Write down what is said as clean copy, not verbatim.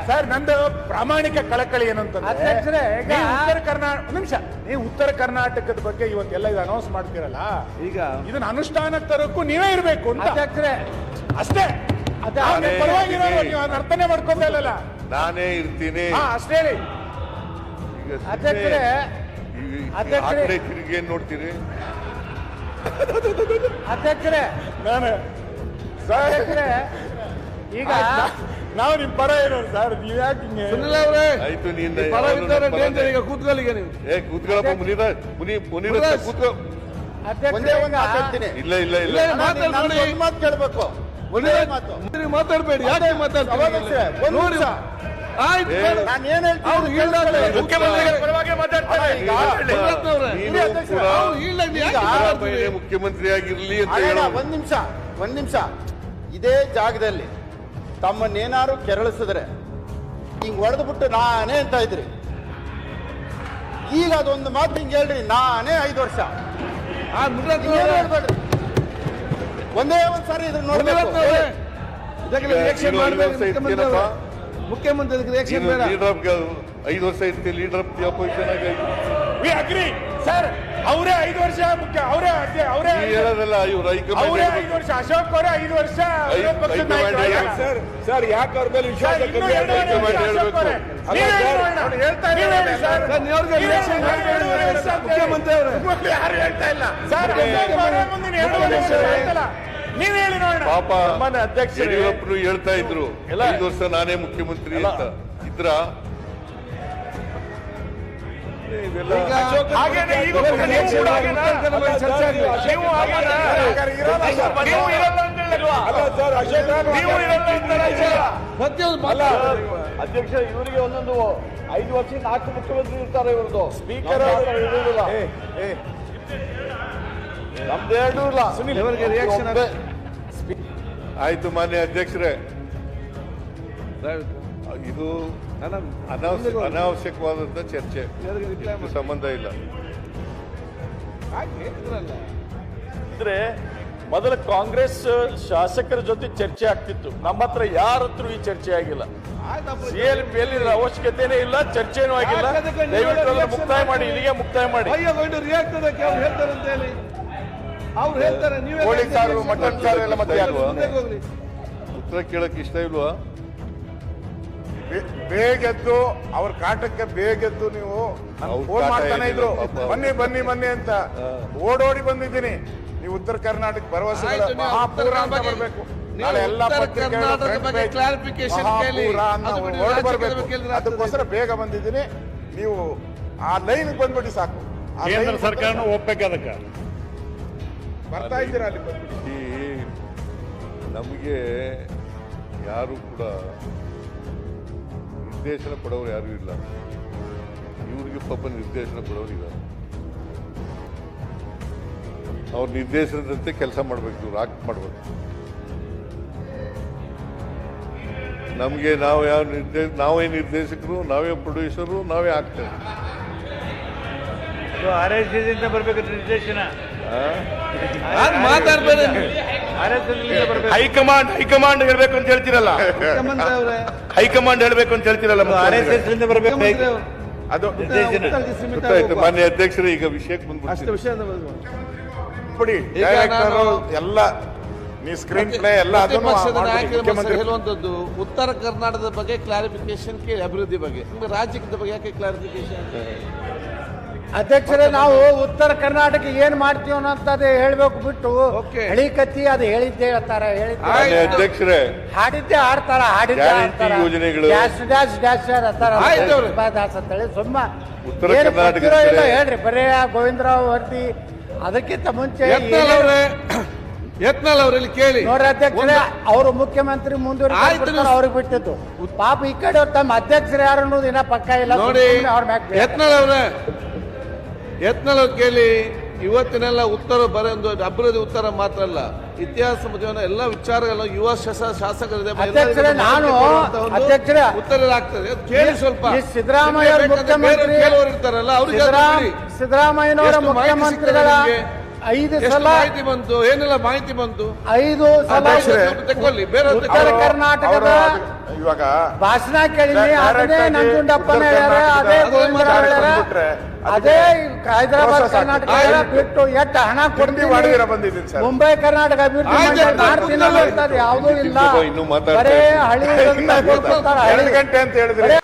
Sir ನಂದು ಪ್ರಾಮಾಣಿಕ ಕಳಕಳಿ ಏನಂತಂದ್ರೆ ನೀವು ಉತ್ತರ ಕರ್ನಾಟಕದ ಬಗ್ಗೆ ಇವತ್ತೆಲ್ಲ ಇದು ಅನೌನ್ಸ್ ಮಾಡ್ತೀರಲ್ಲ, ಈಗ ಇದನ್ನ ಅನುಷ್ಠಾನಕ್ಕೆ ತರೋಕ್ಕೂ ನೀವೇ ಇರ್ಬೇಕು ಅಂತ ಅಷ್ಟೇ. ಪರವಾಗಿರೋ ನೀವು ಅದನ್ನ ಅರ್ಥನೇ ಮಾಡ್ಕೋಬೇಕಲ್ಲ, ನಾನೇ ಇರ್ತೀನಿ ಅಷ್ಟೇ ಹೇಳಿ. ತಿರುಗಿ ಏನ್ ನೋಡ್ತೀರಿ ಅಧ್ಯಕ್ಷರೇ? ನಾನು ಈಗ ನಾವು ನಿಮ್ ಪರ ಇರೋರು ಸರ್, ನೀವ್ ಯಾಕೆ ಹಿಂಗೆ? ಆಯ್ತು ನೀನ್ ಕೂತ್ಕೊಳ್ಳಿಗೆ ನೀವು ಕೂತ್ಕೊಳ್ಳಪ್ಪ ಮುನಿರ ಕೂತ್ಕೊ. ಇಲ್ಲ ಇಲ್ಲ ಇಲ್ಲ ಮಾತು ಕೇಳ್ಬೇಕು, ಮಾತಾಡ್ಬೇಡಿ, ಯಾಕೆ ಮಾತಾಡ್ತೀರಿ? ಮುಖ್ಯಮಂತ್ರಿ ಆಗಿರ್ಲಿ ಅಂತ ಒಂದ್ ನಿಮಿಷ ಇದೇ ಜಾಗದಲ್ಲಿ ತಮ್ಮನ್ನೇನಾರು ಕೆರಳಿಸಿದ್ರೆ ಹಿಂಗ್ ಹೊಡೆದ್ಬಿಟ್ಟು ನಾನೇ ಅಂತ ಇದ್ರಿ. ಈಗ ಅದೊಂದು ಮಾತು ಹಿಂಗ್ ಹೇಳ್ರಿ, ನಾನೇ 5 ವರ್ಷ ಹೇಳ್ಬೇಡ್ರಿ. ಒಂದೇ ಒಂದ್ಸಾರಿ ಇದ್ರ ನೋಡ್ಬೇಕು. ಮುಖ್ಯಮಂತ್ರಿ ರಿಯಾಕ್ಷನ್ ಬೇಡ. 5 ವರ್ಷ ಇರ್ತೀವಿ ಲೀಡರ್ ಆಫ್ ದಿ ಅಪೋಸಿಷನ್ ಆಗಿ ಸರ್. ಅವರೇ 5 ವರ್ಷ ಮುಖ್ಯ, ಅವರೇ ಹೇಳೋದಲ್ಲ, ಇವ್ರು ಅವರೇ 5 ವರ್ಷ, ಅಶೋಕ್ ಅವರೇ 5 ವರ್ಷ ಸರ್. ಯಾಕೆ ಅವ್ರ ಮೇಲೆ ವಿಶ್ವಾಸ ಮುಖ್ಯಮಂತ್ರಿ ಅವರು ಯಾರು ಹೇಳ್ತಾ ಇಲ್ಲ ಸರ್. ನೀವ್ ಹೇಳಿ ನೋಡೋಣ. ಪಾಪ ಯಡಿಯೂರಪ್ಪನು ಹೇಳ್ತಾ ಇದ್ರು 5 ವರ್ಷ ನಾನೇ ಮುಖ್ಯಮಂತ್ರಿ ಅಂತ ಇದ್ರ. ಅಧ್ಯಕ್ಷ ಇವರಿಗೆ ಒಂದೊಂದು 5 ವರ್ಷ 4 ಮುಖ್ಯಮಂತ್ರಿ ಇರ್ತಾರೆ. ಇವ್ರದ್ದು ಸ್ಪೀಕರ್ ಇರುವುದಿಲ್ಲ, ನಮ್ದೇನು ಇಲ್ಲ. ರಿಯಾಕ್ಷನ್ ಆಯ್ತು ಮಾನ್ಯ ಅಧ್ಯಕ್ಷರೇ, ಇದು ಅನಾವಶ್ಯಕವಾದಂತ ಚರ್ಚೆ, ಸಂಬಂಧ ಇಲ್ಲ. ಅಂದ್ರೆ ಮೊದಲ ಕಾಂಗ್ರೆಸ್ ಶಾಸಕರ ಜೊತೆ ಚರ್ಚೆ ಆಗ್ತಿತ್ತು, ನಮ್ಮ ಹತ್ರ ಯಾರ ಹತ್ರ ಈ ಚರ್ಚೆ ಆಗಿಲ್ಲ. ಸಿಎಲ್ಪಿಯಲ್ಲಿ ಅವಶ್ಯಕತೆನೇ ಇಲ್ಲ, ಚರ್ಚೆನೂ ಆಗಿಲ್ಲ. ದಯವಿಟ್ಟು ಮುಕ್ತಾಯ ಮಾಡಿ, ಇಲ್ಲಿಗೆ ಮುಕ್ತಾಯ ಮಾಡಿ. ರಿಯಾಕ್ಟ್ ಅದಕ್ಕೆ ಅವ್ರು ಹೇಳ್ತಾರೆ ಅಂತ ಹೇಳಿ ಅವ್ರು ಹೇಳ್ತಾರೆ. ನೀವು ಕೋಳಿ ಸಾರು, ಮಟನ್ ಸಾರು ಎಲ್ಲ ಮತ್ತೆ ಉತ್ತರ ಕೇಳಕ್ ಇಷ್ಟ ಇಲ್ವಾ? ಬೇಗೆದ್ದು ಅವ್ರ ಕಾಟಕ್ಕೆ ಬೇಗೆದ್ದು ನೀವು ಫೋನ್ ಮಾಡ್ತಾನೆ ಇದ್ರು, ಬನ್ನಿ ಬನ್ನಿ ಬನ್ನಿ ಅಂತ. ಓಡೋಡಿ ಬಂದಿದ್ದೀನಿ. ನೀವು ಉತ್ತರ ಕರ್ನಾಟಕ ಭರವಸೆ ಮಹಾಪೂರ ಅಂತ ಬರ್ಬೇಕು. ನಾಳೆ ಎಲ್ಲ ಅದಕ್ಕೋಸ್ಕರ ಬೇಗ ಬಂದಿದ್ದೀನಿ. ನೀವು ಆ ಲೈನ್ ಬಂದ್ಬಿಟ್ಟು ಸಾಕು. ಕೇಂದ್ರ ಸರ್ಕಾರನೂ ಒಪ್ಪಬೇಕು, ಅದಕ್ಕೆ ಬರ್ತಾ ಇದ್ದೀರಾ ಅಲ್ಲಿ ಬಂದ್ಬಿಟ್ಟು. ನಮಗೆ ಯಾರು ಕೂಡ ನಿರ್ದೇಶನ ಕೊಡೋರು ಯಾರು ಇಲ್ಲ. ಇವ್ರಿಗೆ ಪಾಪ ನಿರ್ದೇಶನ ಕೊಡೋರು ಇಲ್ಲ. ಅವ್ರ ನಿರ್ದೇಶನದಂತೆ ಕೆಲಸ ಮಾಡ್ಬೇಕು, ಇವ್ರು ಆಕ್ಟ್ ಮಾಡ್ಬೇಕು. ನಮಗೆ ನಾವು ಯಾವ ನಾವೇ ನಿರ್ದೇಶಕರು, ನಾವೇ ಪ್ರೊಡ್ಯೂಸರು, ನಾವೇ ಆಗ್ತೇವೆ. ಬರ್ಬೇಕು ನಿರ್ದೇಶನ. ಮಾತಾಡ್ಬೇಡ. ಹೈಕಮಾಂಡ್ ಹೇಳ್ಬೇಕು ಅಂತ ಹೇಳ್ತಿರಲ್ಲ, ಹೈಕಮಾಂಡ್ ಹೇಳ್ಬೇಕು ಅಂತ ಹೇಳ್ತಿರಲ್ಲ, ಅದು ಮಾನ್ಯ ಅಧ್ಯಕ್ಷರು ಈಗ ವಿಷಯಕ್ಕೆ ಬಂದ್ಬಿಟ್ಟು ಎಲ್ಲ ನೀವು ಸ್ಕ್ರೀನ್ ಪ್ಲೇ ಎಲ್ಲ ಹೇಳುವಂತದ್ದು ಉತ್ತರ ಕರ್ನಾಟಕದ ಬಗ್ಗೆ ಕ್ಲಾರಿಫಿಕೇಶನ್ ಕೇಳಿ, ಅಭಿವೃದ್ಧಿ ಬಗ್ಗೆ. ನಿಮ್ಗೆ ರಾಜ್ಯದ ಬಗ್ಗೆ ಯಾಕೆ ಕ್ಲಾರಿಫಿಕೇಶನ್? ಅಧ್ಯಕ್ಷರೇ, ನಾವು ಉತ್ತರ ಕರ್ನಾಟಕ ಏನ್ ಮಾಡ್ತೀವಿ ಅನ್ನೋಂಥದ್ದು ಹೇಳ್ಬೇಕು ಬಿಟ್ಟು ಹಳಿ ಕತ್ತಿ ಅದು ಹೇಳಿದ್ದೆ ಹೇಳ್ತಾರೆ, ಅಧ್ಯಕ್ಷರೇ ಹಾಡಿದ್ದೆ ಹಾಡ್ತಾರ, ಹಾಡಿದ್ದೆ ಹಾಡ್ತಾರ, ಡ್ಯಾಶ್ ಡ್ಯಾಶ್ ಡ್ಯಾಶ್ ಅಂತೇಳಿ ಸುಮ್ಮ ಏನು ಗೊತ್ತಿರೋ ಇಲ್ಲ ಹೇಳ್ರಿ. ಬರೇ ಗೋವಿಂದರಾವ್ ವರ್ದಿ ಅದಕ್ಕಿಂತ ಮುಂಚೆ ಯತ್ನಾಳ್ ಅವರಲ್ಲಿ ಕೇಳಿ ನೋಡ್ರಿ ಅಧ್ಯಕ್ಷರೇ, ಅವರು ಮುಖ್ಯಮಂತ್ರಿ ಮುಂದುವರಿದ ಅವ್ರಿಗೆ ಬಿಟ್ಟಿದ್ದು. ಪಾಪ ಈ ಕಡೆ ತಮ್ಮ ಅಧ್ಯಕ್ಷರು ಯಾರು ಅನ್ನೋದು ಇನ್ನ ಪಕ್ಕ ಇಲ್ಲ ನೋಡಿ. ಅವ್ರ ಮ್ಯಾಗ ಯತ್ನಾಳ್ ಅವ್ರು ಕೇಳಿ. ಇವತ್ತಿನೆಲ್ಲ ಉತ್ತರ ಬರೆಯೊಂದು ಅಭಿವೃದ್ಧಿ ಉತ್ತರ ಮಾತ್ರ ಅಲ್ಲ, ಇತಿಹಾಸ ಮಧ್ಯ ಎಲ್ಲ ವಿಚಾರಗಳು ಯುವ ಶಾಸಕರಿದೆ. ಉತ್ತರ ಆಗ್ತದೆ ಕೇಳಿ. ಸ್ವಲ್ಪ ಸಿದ್ದರಾಮಯ್ಯ ಮುಖ್ಯಮಂತ್ರಿ ಇರ್ತಾರಲ್ಲ ಅವ್ರಿಗೆ ಸಿದ್ದರಾಮಯ್ಯನವರ ಮುಖ್ಯಮಂತ್ರಿಗಳ 5 ಎಷ್ಟು ಸಲ ಮಾಹಿತಿ ಬಂತು, ಏನೆಲ್ಲ ಮಾಹಿತಿ ಬಂತು? 5 ಸಲ ಅಧ್ಯಕ್ಷರೇ, ತಗೊಳ್ಳಿ, ಬೇರೆ ಉತ್ತರ ಕರ್ನಾಟಕದ ಇವಾಗ ಭಾಷಣ ಕೇಳಿನಿ. Direct ಅದನ್ನೇ ಆಗಿ ನಂಜುಂಡಪ್ಪನ ಉತ್ತರ ಹೇಳ್ಯಾರ, ಅದೇ ಕರ್ನಾಟಕದ ಗೋವಿಂದರಾವ್ ಹೇಳ್ಯಾರ, ಬಂದ್ಬಿಟ್ರೆ ಅದೇ ಹೈದರಾಬಾದ್ process ಕರ್ನಾಟಕ ಆಗ್ತದೆ. ಬಿಟ್ಟು ಎಷ್ಟು ಹಣ ತಿಂಡಿ ಮಾಡಿದಿರ ಬಂದಿದ್ದೀನಿ ಸರ್. ಮುಂಬೈ ಕರ್ನಾಟಕ ಅಭಿವೃದ್ಧಿ ಆಯ್ತು, ಮಂಡಳಿ ಆಯ್ತು, ಮಾಡ್ತೀನಿ ಆಯ್ತು, ಅಂತಾರೆ, ಯಾವುದೂ ಇಲ್ಲ. ಇನ್ನೂ ಮಾತಾಡ್ತಾ ಬರೇ ಇದ್ದೀನಿ. ಹಳಿ ಅಂತ ಕೊಡ್ತಾರೆ, ಹಳಿ. 2 ಗಂಟೆ ಅಂತ ಹೇಳಿದ್ರಿ. ಬರೇ